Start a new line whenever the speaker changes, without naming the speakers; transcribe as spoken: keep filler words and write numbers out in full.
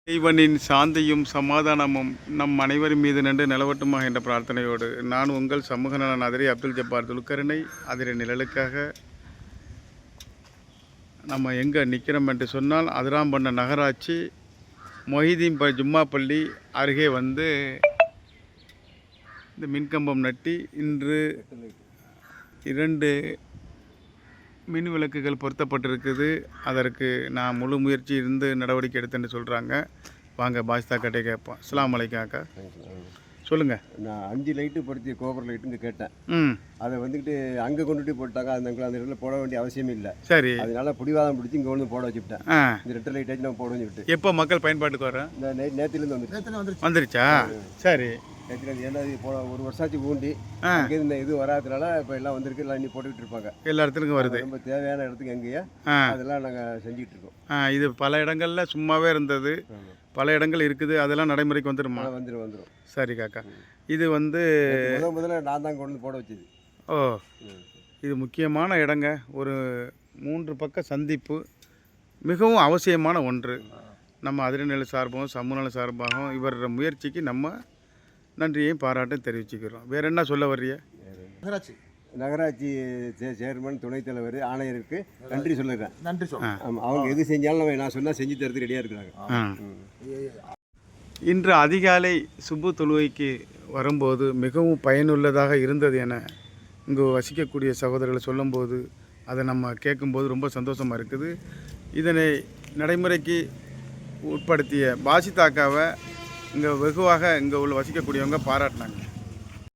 இறைவனின் சாந்தியும் சமாதானமும் நம் அனைவரின் மீது நின்று நிலவட்டுமா என்ற பிரார்த்தனையோடு நான் உங்கள் சமூக நலன் அதிரி அப்துல் ஜப்பார் துல்கரனை அதிர நிழலுக்காக நம்ம எங்கே நிற்கிறோம் என்று சொன்னால் அதிராம்பண்ண நகராட்சி மொஹிதீன் ப ஜும்மா பள்ளி அருகே வந்து இந்த மின்கம்பம் நட்டி இன்று இரண்டு மின் விளக்குகள் பொருத்தப்பட்டிருக்குது. அதற்கு நான் முழு முயற்சி இருந்து நடவடிக்கை எடுத்தேன்னு சொல்கிறாங்க. வாங்க பாஸ்தா கட்டை கேட்போம். அஸ்ஸலாமு அலைக்கும் அக்கா, சொல்லுங்கள்.
நான் அஞ்சு லைட்டு படுத்திய கோபுர லைட்டுன்னு கேட்டேன்.
ம்
அதை வந்துக்கிட்டு அங்கே கொண்டுட்டு போட்டாங்க. அந்த அந்த இடத்துல போட வேண்டிய அவசியமே இல்லை.
சரி,
அதனால பிடிவாதம் பிடிச்சி இங்கே வந்து போட வச்சுக்கிட்டேன்.
ஆ
இந்த ரெட்டை லைட்டாச்சு நான் போட வச்சுக்கிட்டு
எப்போ மக்கள் பயன்பாட்டுக்கு வரேன்?
இந்த நே நேற்றுலேருந்து வந்துருச்சு
வந்துருச்சா? சரி,
நேற்றுலேருந்து ஏன்னா இது போட ஒரு வருஷாச்சு ஊண்டி அங்கே இந்த இது வராதனால இப்போ எல்லாம் வந்திருக்கு. எல்லாம் இன்னி போட்டுக்கிட்டு இருப்பாங்க. எல்லா இடத்துக்கும் வருது. ரொம்ப தேவையான இடத்துக்கு எங்கேயா அதெல்லாம் நாங்கள் செஞ்சுக்கிட்டு இருக்கோம்.
ஆ இது பல இடங்களில் சும்மாவே இருந்தது, பல இடங்கள் இருக்குது. அதெல்லாம் நடைமுறைக்கு வந்துடுமா?
வந்துடும் வந்துடும்.
சரி காக்கா, இது வந்து
முதல் முதல்ல நான் தான் கொண்டு போட வச்சது.
ஓ, இது முக்கியமான இடங்க. ஒரு மூன்று பக்க சந்திப்பு மிகவும் அவசியமான ஒன்று. நம்ம அதிரநிலை சார்பாகவும் சமூகநல சார்பாகவும் இவரோட முயற்சிக்கு நம்ம நன்றியையும் பாராட்டும் தெரிவிச்சுக்கிறோம். வேறு என்ன சொல்ல வர்றிய?
நகராட்சி நகராட்சி சேர்மன் துணைத் தலைவர் ஆணையருக்கு நன்றி சொல்லுறேன். நன்றி சொல்லுங்கள். ஆமாம், அவங்க எது செஞ்சாலும் நம்ம நான் சொன்னால் செஞ்சு தரது ரெடியாக இருக்கிறாங்க.
இன்று அதிகாலை சுப்பு தொழுகைக்கு வரும்போது மிகவும் பயனுள்ளதாக இருந்தது என இங்கு வசிக்கக்கூடிய சகோதரர்கள் சொல்லும்போது அதை நம்ம கேட்கும்போது ரொம்ப சந்தோஷமாக இருக்குது. இதனை நடைமுறைக்கு உட்படுத்திய பாசிதாக்காவை இங்கே வெகுவாக இங்கே உள்ள வசிக்கக்கூடியவங்க பாராட்டினாங்க.